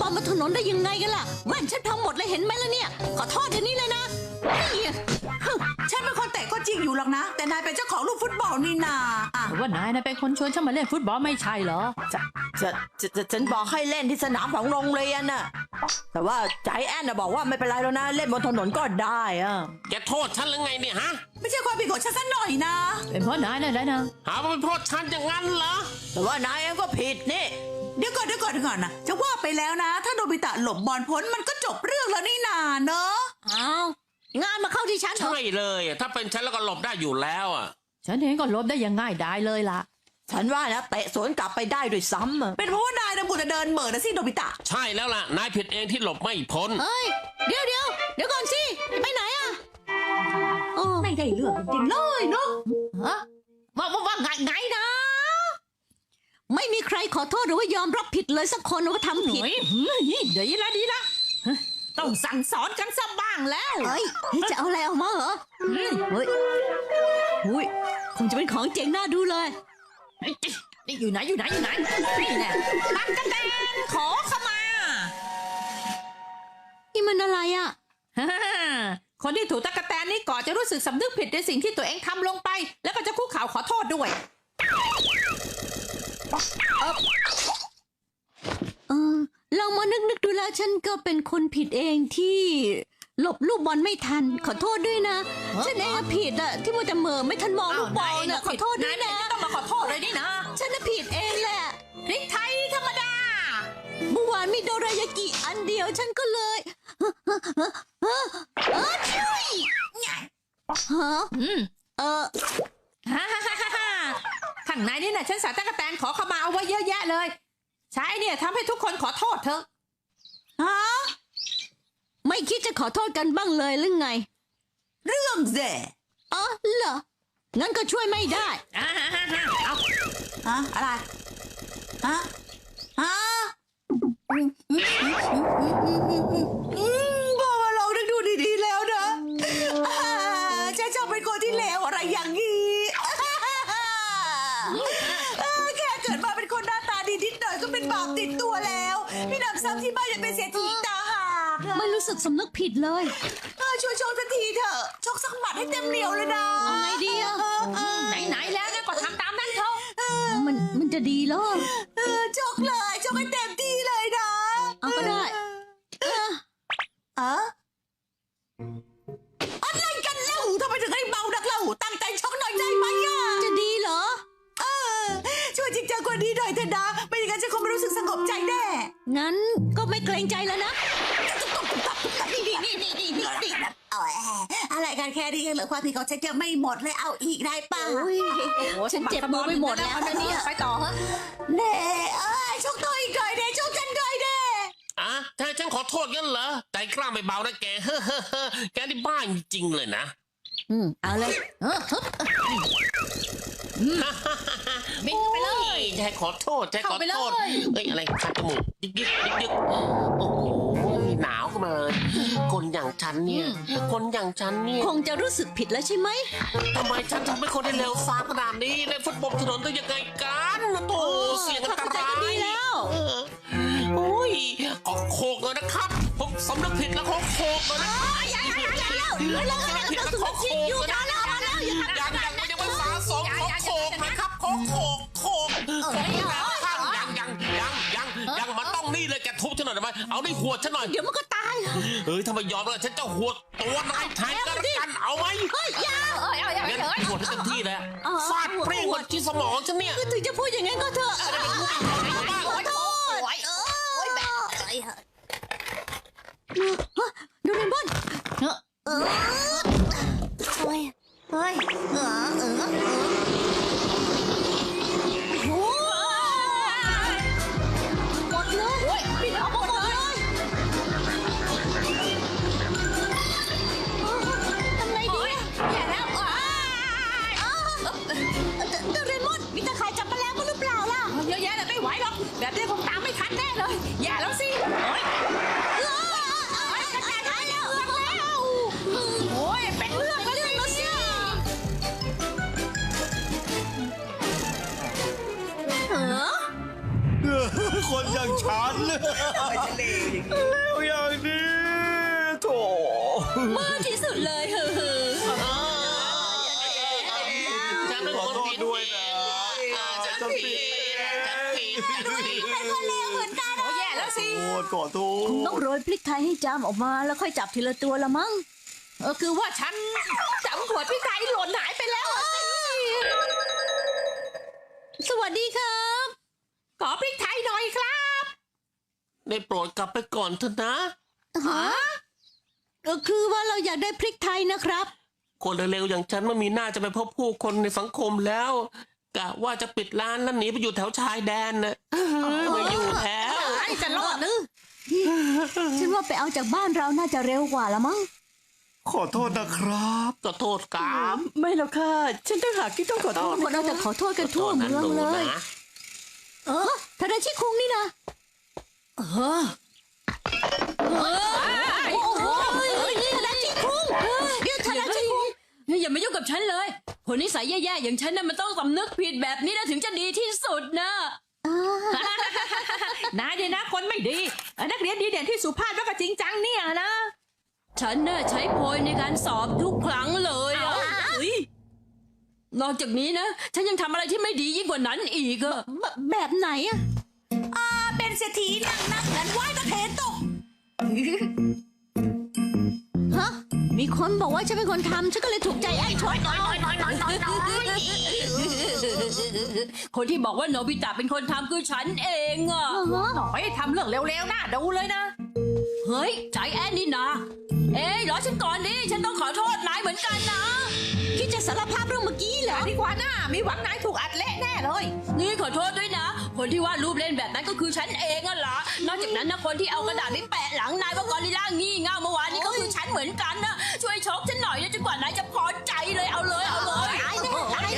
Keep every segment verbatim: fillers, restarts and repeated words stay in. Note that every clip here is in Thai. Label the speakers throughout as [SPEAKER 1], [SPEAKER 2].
[SPEAKER 1] อลบนถนนได้ยังไงกันล่ะแว่นฉันพังหมดเลยเห็นไหมล่ะเนี่ยขอโทษเดี๋ยวนี้เลยนะนี่
[SPEAKER 2] ฉันเป็นคนเตะก็จริงอยู่หรอกนะแต่นายเป็นเจ้าของลูกฟุตบอลนี่นาอ่ะ
[SPEAKER 3] แต่ว่านายนะเป็นคนชวนฉันมาเล่นฟุตบอลไม่ใช่เหรอ
[SPEAKER 4] จะจะจะจะฉันบอกให้เล่นที่สนามของโรงเรียนน่ะแต่ว่าใจแอนน่ะบอกว่าไม่เป็นไรแล้วนะเล่นบนถนนก็ได้อะ
[SPEAKER 5] แกโทษฉันหรือไงเนี่ยฮะ
[SPEAKER 2] ไม่ใช่ความผิดของฉันสักหน่อยนะ
[SPEAKER 3] เป็นเพราะนายนั่นแหละนะ
[SPEAKER 5] หาว่าเป็นโทษฉันอย่างนั้นเหรอ
[SPEAKER 4] แต่ว่านายเองก็ผิดนี่
[SPEAKER 2] เดี๋ยวก่อนเดี๋ยวก่อนเดี๋ยวก่อนนะจะว่าไปแล้วนะ ถ้าโนบิตะหลบบอลพ้นมันก็จบเรื่องแล้วนี่นาเนอะ
[SPEAKER 1] อ้าวงานมาเข้าที่ฉันเถ
[SPEAKER 5] ใช่
[SPEAKER 1] อะ
[SPEAKER 5] เลยอะถ้าเป็นฉันแล้วก็หลบได้อยู่แล้วอ่ะ
[SPEAKER 3] ฉันเองก็ลบได้อย่างง่ายดายเลยล่ะ
[SPEAKER 4] ฉันว่านะเตะสวนกลับไปได้ด้วยซ้ำอะ
[SPEAKER 2] เป็นเพราะว่านายนะบุจะเดินเหม่อนะสิโนบิตะ
[SPEAKER 5] ใช่แล้วล่ะนายผิดเองที่หลบไม่พ้น
[SPEAKER 1] เฮ้ยเดี๋ยวเดี๋ยวเดี๋ยวก่อนสิไปไหนอ่ะโอ้
[SPEAKER 2] ไม่ได้เรื่องจริงๆเลยเนาะ
[SPEAKER 3] ฮะว่าว่าว่าไงไงนะ
[SPEAKER 1] ไม่มีใครขอโทษหรือว่ายอมรับผิดเลยสักคนว่าทำผิด
[SPEAKER 3] เฮ้ยหืมเดี๋ยวละดีละเฮ้ยต้องสั่งสอนกันสักบ้างแล้ว
[SPEAKER 1] เฮ้ยจะเอาอะไรออกมาเหรอเฮ้ยเฮ้ยอุ้ยคงจะเป็นของเจ๋งน่าดูเลย
[SPEAKER 3] นี่อยู่ไหนอยู่ไหนอยู่ไหนนี่แน่ตั๊กแตนขอขมา
[SPEAKER 1] นี่มันอะไรอ่ะ
[SPEAKER 3] ฮ่าคนที่ถูกตั๊กแตนนี่ก่อนจะรู้สึกสำนึกผิดในสิ่งที่ตัวเองทำลงไป แล้วก็จะคุกเข่าขอโทษด้วย
[SPEAKER 1] เออลองมานึกนึกดูแล้วฉันก็เป็นคนผิดเองที่หลบลูกบอลไม่ทัน ขอโทษด้วยนะ
[SPEAKER 3] ฮะ
[SPEAKER 1] ฉันเองอะผิดอะที่มัวแต่เหม่อไม่ทันมองลูกบอลน่ะขอโทษด้วยนะ
[SPEAKER 3] ต้องมาขอโทษเลยนี่นะ
[SPEAKER 1] ฉันน่ะผิดเองแหละ
[SPEAKER 3] พริกไทยธรรมดา
[SPEAKER 1] เมื่อวานมีโดรายากิอันเดียวฉันก็เลยเออเออช่วยฮะ
[SPEAKER 3] อืม
[SPEAKER 1] เออ
[SPEAKER 3] ฮ่าฮ่าฮ่าฮ่าฮ่าข้างในนี่นะฉันใส่ตั๊กแตนขอขมาเอาไว้เยอะแยะเลย ใช้เนี่ยทำให้ทุกคนขอโทษเถอะ
[SPEAKER 2] ฮะ
[SPEAKER 1] ไม่คิดจะขอโทษกันบ้างเลยหรือไง
[SPEAKER 2] เรื่องแย่
[SPEAKER 1] อ๋อเหรองั้นก็ช่วยไม่ได้
[SPEAKER 3] อ่าฮ่าฮ่าฮ่าเอา
[SPEAKER 2] ฮะอะไรฮะฮะอืมพอมาลองนึกดูดีๆแล้วนะอ่าฉันชอบเป็นคนที่เลวอะไรอย่างนี้อ่าแค่เกิดมาเป็นคนหน้าตาดีนิดหน่อยก็เป็นบาปติดตัวแล้วพี่นำซ้ำที่บ้านยังเป็นเศรษฐีตาหากอะ
[SPEAKER 1] ไม่รู้สึกสำนึกผิดเลย
[SPEAKER 2] เออช่วยโชว์สักทีเถอะชกสักหมัดให้เต็มเหนียวเลยนะ
[SPEAKER 1] เอาไงดีอะ
[SPEAKER 2] เออเออ
[SPEAKER 3] ไหนๆแล้วนะก็ทำตามนั้นเถอะ
[SPEAKER 1] มันมันจะดีเหรอ
[SPEAKER 2] เออชกเลยชกให้เต็มที่เลยนะ
[SPEAKER 1] เอาก็ได้เออ
[SPEAKER 2] เอออะไรกันเล่าทำไมถึงให้เบานักเล่าตั้งใจชกหน่อยได้ไหมอ่ะ
[SPEAKER 1] จะดีเหรอ
[SPEAKER 2] เออช่วยจริงจังกว่านี้หน่อยเถอะนะไม่อย่างนั้นฉันคงไม่รู้สึกสงบใจแน่
[SPEAKER 1] งั้นก็ไม่เกรงใจแล้วนะ
[SPEAKER 2] นี่นี่นี่นี่นี่นี่นี่เอาแอะอะไรกันแค่นี้ยังเหลือความผิดของฉันยังไม่หมดเลยเอาอีกได้ป่ะ
[SPEAKER 1] โอ้ย ฉันเจ็บมือไปหมดแล้วนะเนี่ย
[SPEAKER 3] ไปต่อเหรอ
[SPEAKER 2] เน่เอ้ยชกตัวอีกหน่อยเน่ชกฉันหน่อยเน่
[SPEAKER 5] อ่ะถ้าฉันขอโทษงั้นเหรอใจกล้าไม่เบานะแก เฮ้อเฮ้อเฮ้อแกนี่บ้าจริงๆเลยนะ
[SPEAKER 1] อืมเอาเลย
[SPEAKER 3] เออฮึบบินไปเลย
[SPEAKER 5] ใจขอโทษใจขอ
[SPEAKER 3] เข้าไปเล
[SPEAKER 5] โทษ
[SPEAKER 3] ย
[SPEAKER 5] เอ้ยอะไรคันจมูกยึกยึกยึกยึกโอ้โหหนาวขึ้นมาเลยคนอย่างฉันเนี่ย คนอย่างฉันเนี่ย
[SPEAKER 1] คงจะรู้สึกผิดแล้วใช่ไหม
[SPEAKER 5] ทำไมฉันถึงเป็นคนที่เลวทรามขนาดนี้เล่นฟุตบอลถนนได้ยังไงกันนะโถเสียงอันต
[SPEAKER 1] เข้าใจ
[SPEAKER 5] ราย
[SPEAKER 1] ก็ดีแล้ว
[SPEAKER 5] เออโอ้ยขอโคกเลยนะครับผมสำนึกผิดแล้วขอโคกเลยนะอย่าอย่าอย่าอย่าอย่าสำนึกผิดแล้วขอโคกเลยนะยังยังไม่ยังไม่สาสมขอโคกนะครับขอโคกโคกยังยังยังยังยังมันต้องนี่เลยแกทุบฉันหน่อยได้ไหมเอาได้หัวฉันหน่อย
[SPEAKER 1] เดี๋ยวมันก็ตาย
[SPEAKER 5] เฮ้ยถ้าไม่ยอมแล้วฉันจะหัวตัวนายแทนกันละกันเอาไหม
[SPEAKER 1] เฮ้ยอยา
[SPEAKER 3] เอ้ยเอาอย่าง
[SPEAKER 5] งั้น
[SPEAKER 3] นี้เถอะ
[SPEAKER 5] หัวให้เต็มที่แล้ว
[SPEAKER 1] อ๋อ
[SPEAKER 5] ฟาดเปรี้ยงบนที่สมองฉันเนี่ย
[SPEAKER 1] คือถึงจะพูดอย่างนั้นก็เถอะ ขอโทษ
[SPEAKER 3] โอ้ยโอ้ยแบบ
[SPEAKER 1] โดเรมอน
[SPEAKER 3] เฮ้ย
[SPEAKER 1] เออเฮ้ยเฮ้ยเออเออเออโอ้หมดเลยโอ้ยปิดออกมาหมดเลยทำไงดี
[SPEAKER 3] อย่าแล้วอ้า
[SPEAKER 1] อ้าวโดเรมอนมีตะข่ายจับแมลงมาหรือเปล่าล่ะ
[SPEAKER 3] เยอะแยะเลยไม่ไหวหรอกแบบนี้คงตามไม่ทันแน่เลย อย่าแล้วสิโอ้ย
[SPEAKER 1] เออเออจัดการให้แล้วแล้ว
[SPEAKER 3] โอ้ยเป็นเรื่อง
[SPEAKER 1] เรื่องแล้วสิ
[SPEAKER 6] แล้วอย่างนี้โถ
[SPEAKER 1] มากที่สุดเลยเฮ้อ
[SPEAKER 5] ฉันเป็น
[SPEAKER 6] ขอ
[SPEAKER 5] คน
[SPEAKER 6] โทษ
[SPEAKER 5] ผิด
[SPEAKER 6] ด้วยนะ
[SPEAKER 5] ฉันผิดฉันผิดฉันผิด
[SPEAKER 3] โอ้แย่แล้วสิ
[SPEAKER 6] โทษขอโท
[SPEAKER 1] ๆต้อง
[SPEAKER 6] ษ
[SPEAKER 1] โรยพริกไทยให้จามออกมาแล้วค่อยจับทีละตัวละมั้ง
[SPEAKER 3] เออคือว่าฉันจำขวดพริกไทยหล่นหายไปแล้วอะสิ
[SPEAKER 1] สวัสดีครับ
[SPEAKER 3] ขอพริกไทยหน่อยครับ
[SPEAKER 5] ได้โปรดกลับไปก่อนเถอะนะ
[SPEAKER 3] ฮะ
[SPEAKER 1] เออคือว่าเราอยากได้พริกไทยนะครับ
[SPEAKER 5] คนเร็วๆอย่างฉันไม่มีหน้าจะไปพบผู้คนในสังคมแล้วกะว่าจะปิดร้านแล้วหนีไปอยู่แถวชายแดนนะไม่อยู่แถว
[SPEAKER 3] ไอ้จะรอดหรือ
[SPEAKER 1] ฉันว่าไปเอาจากบ้านเราน่าจะเร็วกว่าละมั้ง
[SPEAKER 6] ขอโทษนะครับ
[SPEAKER 5] ก็โทษกรรม
[SPEAKER 4] ไม่หรอกค่ะ ฉันต้องหากที่ต้องขอโทษ
[SPEAKER 1] คนเราจะขอโทษกันทั่วเมืองเลย
[SPEAKER 5] นะ
[SPEAKER 1] เออทาดาชิคุงนี่นะเออเออโอ้โหทาดาชิคุงเดี๋ยวทาดาชิคุง
[SPEAKER 7] อย่ามายุ่งกับฉันเลยคนนิสัยแย่ๆอย่างฉันน่ะมันต้องสำนึกผิดแบบนี้นะถึงจะดีที่สุดนะ
[SPEAKER 3] นายเนี่ยนะคนไม่ดีเออนักเรียนดีเด่นที่สุภาพแล้วก็จริงจังเนี่ยนะ
[SPEAKER 7] ฉันน่ะใช้โพยในการสอบทุกครั้งเลยอะเฮ้ยนอกจากนี้นะ ฉันยังทำอะไรที่ไม่ดียิ่งกว่านั้นอีกอะ
[SPEAKER 1] แบบแบบไหนอะ
[SPEAKER 2] อ่าเป็นเศรษฐีนั่งนักนั้นไหว้ตะเทนตก
[SPEAKER 1] ฮะมีคนบอกว่าฉันเป็นคนทำฉันก็เลยถูกใจไอ้ชดเอา
[SPEAKER 7] คนที่บอกว่าโนบิตะเป็นคนทำคือฉันเองอะ
[SPEAKER 1] ฮะ
[SPEAKER 3] หน่อยทำเรื่องเร็วๆน่าดูเลยนะ
[SPEAKER 7] เฮ้ยใจแอนนี่นะเอ้ยรอฉันก่อนดิฉันต้องขอโทษนายเหมือนกันนะ
[SPEAKER 1] คิดจะสารภาพเรื่องเมื่อกี้เหรอ
[SPEAKER 3] ดีกว่าน่ามีหวังนายถูกอัดเละแน่เลย
[SPEAKER 7] นี่ขอโทษด้วยนะ คนที่วาดรูปเล่นแบบนั้นก็คือฉันเองอะล่ะนอกจากนั้นนะคนที่เอากระดาษไปแปะหลังนายว่ากอริลล่างี่เง่าเมื่อวานนี้ก็คือฉันเหมือนกันนะช่วยชกฉันหน่อยนะจนกว่านายจะพอใจเลยเอาเลยเอาเลย
[SPEAKER 1] ตายแน่ตายแน่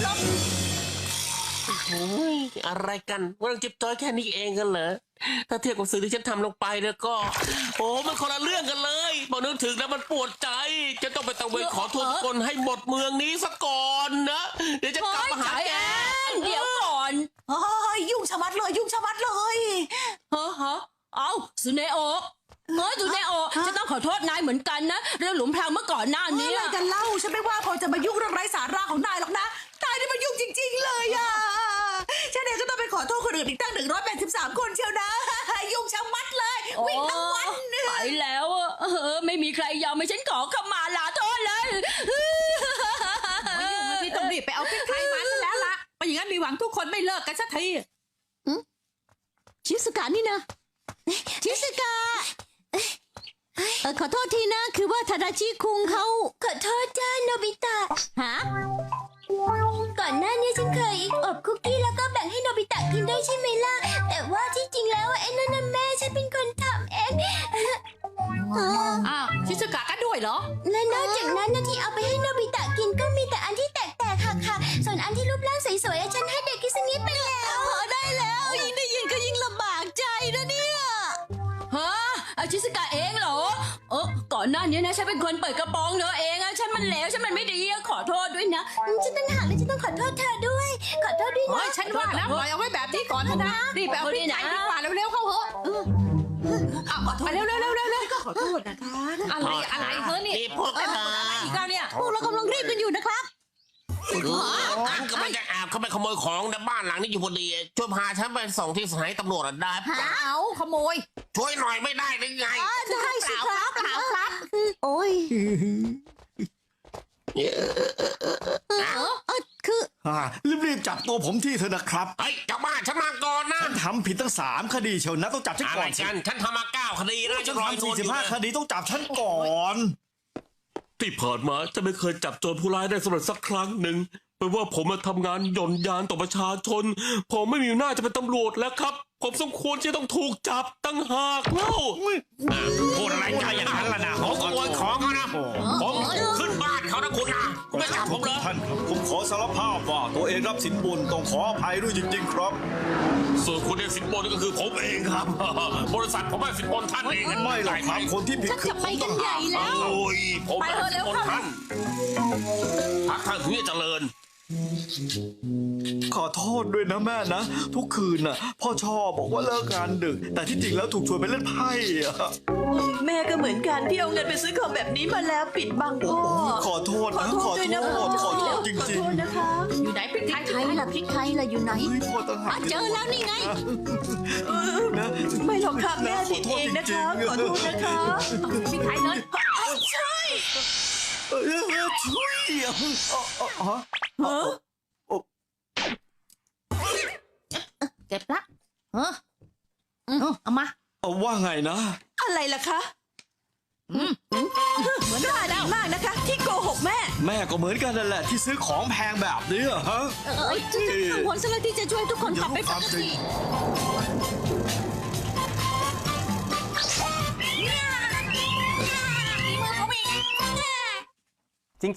[SPEAKER 5] โอ้ยอะไรกันเรื่องจิ๊บจ้อยแค่นี้เองกันเหรอถ้าเทียบกับสิ่งที่ฉันทำลงไปแล้วก็ โอ้มันคนละเรื่องกันเลยพอนึกถึงแล้วมันปวดใจ จะต้องไปตะเวนขอโทษทุกคนให้หมดเมืองนี้ซะก่อนนะเดี๋ยวจะกลับมาหา
[SPEAKER 7] ใจ
[SPEAKER 5] แก
[SPEAKER 7] แอนเดี๋ยวก่อน
[SPEAKER 2] โอ้ยยุ่งชะมัดเลยยุ่งชะมัดเลย
[SPEAKER 7] เฮ้อฮะเอาสุเนโอะเฮ้ยสุเนโอะจะต้องขอโทษนายเหมือนกันนะเรื่องหลุมพรางเมื่อก่อนหน้า
[SPEAKER 2] เมื่
[SPEAKER 7] นี้
[SPEAKER 2] อไรกันเล่าฉันไม่ว่าพอจะมายุ่งเรื่องไร้สาระของนายหรอกนะนายนี่มันยุ่งจริง ๆ เลยอ่ะฉันเองก็ต้องไปขอโทษคนอื่นอีกตั้งหนึ่งร้อยแปดสิบสามคนเชียวนะ ยุ่งชะมัดเลยวิ่งทั้งวัน
[SPEAKER 7] ไปแล้วอะเออไม่มีใครยอมให้ฉันขอขมาลาโทษเลย
[SPEAKER 3] ไม่ยุ่งเลยที่ต้องรีบไปเอาพริกไทยมาซะแล้วล่ะไม่อย่างนั้นมีหวังทุกคนไม่เลิกกันสักที
[SPEAKER 1] ชิสกะนี่นะชิสกะเออขอโทษทีนะ คือว่าทาดาชิคุงเขาขอโทษจ้าโนบิตะฮะ
[SPEAKER 8] ก่อนหน้านี้ฉันเคยอบคุกกี้แล้วก็แบ่งให้โนบิตะกินด้วยใช่ไหมล่ะ แต่ว่าที่จริงแล้วไอ้นั่นน่ะแม่ฉันเป็นคนทำเอง
[SPEAKER 3] อ้าวชิซุกะก็ด้วยเหรอ
[SPEAKER 8] และนอกจากนั้นนะที่เอาไปให้โนบิตะกินก็มีแต่อันที่แตกๆค่ะค่ะส่วนอันที่รูปร่างสวยๆอะฉันให้เด็กกิสงิไปแล้ว
[SPEAKER 1] พอได้แล้วยิ่งได้ยินก็ยิ่งลำบากใจนะเนี่ย
[SPEAKER 7] ฮะอาชิสกะเองเหรอเออก่อนหน้านี้นะฉันเป็นคนเปิดกระโปรงเธอเองอะฉันมันเลวฉันมันไม่ดีอะขอโทษด้วยนะ
[SPEAKER 8] ฉันตั้งหากเลยฉันต้องขอโทษเธอด้วย ขอโทษด้วย
[SPEAKER 3] โอ้
[SPEAKER 8] นะ
[SPEAKER 3] ยฉันว่านะปล่อยเอาไว้แบบนี้ก่อนเถอะนะรีบไปเอาพริกไทยดีกว่าเร็วๆเข้าเหอะเอาไปเร็วๆเร็วๆเร็วๆก็ขอโทษนะคะอะไรอะไรเฮ้ยนี่
[SPEAKER 5] นี่พวกเธอ
[SPEAKER 3] อะไรอีกแล้วเนี่ย
[SPEAKER 1] พวกเรากำลังรีบกันอยู่นะครับ
[SPEAKER 5] ฉันก็ไม่จะแอบเข้าไปขโมยของในบ้านหลังนี้อยู่พอดีช่วยพาฉันไปส่งที่สถานีตำรวจได้ปะ
[SPEAKER 3] เอาขโมย
[SPEAKER 5] ช่วยหน่อยไม่ได้หรือไง
[SPEAKER 1] ได้สิครับเปล่าครับโอ้ยเออคือ
[SPEAKER 6] อ่ารีบๆจับตัวผมที่เถอะนะครับ
[SPEAKER 5] เฮ้ยเจ้าบ้านฉันมาก่อนนะ
[SPEAKER 6] ทำผิดตั้งสามคดีเชียวนะต้องจับฉัน
[SPEAKER 5] อะไร
[SPEAKER 6] ก่อนสิ
[SPEAKER 5] กันฉันทำมาเก้าคดีนะ
[SPEAKER 6] ฉั
[SPEAKER 5] ฉั
[SPEAKER 6] น
[SPEAKER 5] นรอ
[SPEAKER 6] ทำ
[SPEAKER 5] โด
[SPEAKER 6] สี่
[SPEAKER 5] นอ
[SPEAKER 6] สิบ
[SPEAKER 5] ยู่
[SPEAKER 6] ห้า
[SPEAKER 5] นะ
[SPEAKER 6] คดีต้องจับฉันก่อน
[SPEAKER 9] ที่ผ่านมาจะไม่เคยจับโจรผู้ร้ายได้สำเร็จสักครั้งหนึ่งแปลว่าผมมาทำงานหย่อนยานต่อประชาชน ผมไม่มีหน้าจะเป็นตำรวจแล้วครับ ผมสมควรที่ต้องถูกจับตั้งหากเล่า
[SPEAKER 5] พูดอะไรกันอย่างนั้นล่ะนะผมขโมยของเขานะผมขึ้นบ้านเขานะคุณนะไม่จับผมเลย
[SPEAKER 6] ท่านครับผมขอสารภาพว่าตัวเองรับสินบนต้องขออภัยด้วยจริงๆครับ
[SPEAKER 5] ส่วนคุณเนี่ยสินบนก็คือผมเองครับ บริษัทผมให้สินบนท่านเอง
[SPEAKER 6] ไม่หรอกครับคนที่ผิด
[SPEAKER 1] ชัก
[SPEAKER 6] คือ
[SPEAKER 1] จะไปกันใหญ่แล้ว
[SPEAKER 5] โอ้ยผมให้สินบนท่านพักท่านถึงจะเจริญ
[SPEAKER 6] ขอโทษด้วยนะแม่นะ ทุกคืนน่ะพ่อชอบบอกว่าเลิกงานดึก แต่ที่จริงแล้วถูกชวนไปเล่นไพ่อะ
[SPEAKER 4] แม่ก็เหมือนกันที่เอาเงินไปซื้อของแบบนี้มาแล้วปิดบังพ่อ
[SPEAKER 6] ขอโทษนะขอ
[SPEAKER 4] ด้วย
[SPEAKER 6] โท
[SPEAKER 4] นะ
[SPEAKER 6] ษ
[SPEAKER 4] พ่อ
[SPEAKER 6] ขอโทษจ
[SPEAKER 4] ขอ
[SPEAKER 6] ริง
[SPEAKER 4] โทษนะคะ
[SPEAKER 3] อยู่ไหนพริกไทย
[SPEAKER 1] ไทยล่ะพริกไทยล่ะอยู่ไหน
[SPEAKER 6] ๆเฮ้ยพ่อต่างหา
[SPEAKER 1] อ่ะ
[SPEAKER 6] ก
[SPEAKER 1] เจอแล้วนี่ไง
[SPEAKER 6] นะ
[SPEAKER 4] ไม่หรอกค่ะแม่ผิดเองนะคะขอโทษนะคะ
[SPEAKER 3] พริกไทยเลย
[SPEAKER 6] เออช่วยอ่ะอ๋ออ๋อ
[SPEAKER 3] เก็บละเออเออเอามา
[SPEAKER 6] เอาว่าไงนะ
[SPEAKER 4] อะไรล่ะคะเหมือนกล้าดีมากนะคะ ที่โกหกแม่
[SPEAKER 6] แม่ก็เหมือนกันนั่นแหละที่ซื้อของแพงแบบนี้อะฮะ
[SPEAKER 1] เอ้ยฉันกังวลซะแล้วที่จะช่วยทุกคนกลับไปปกติ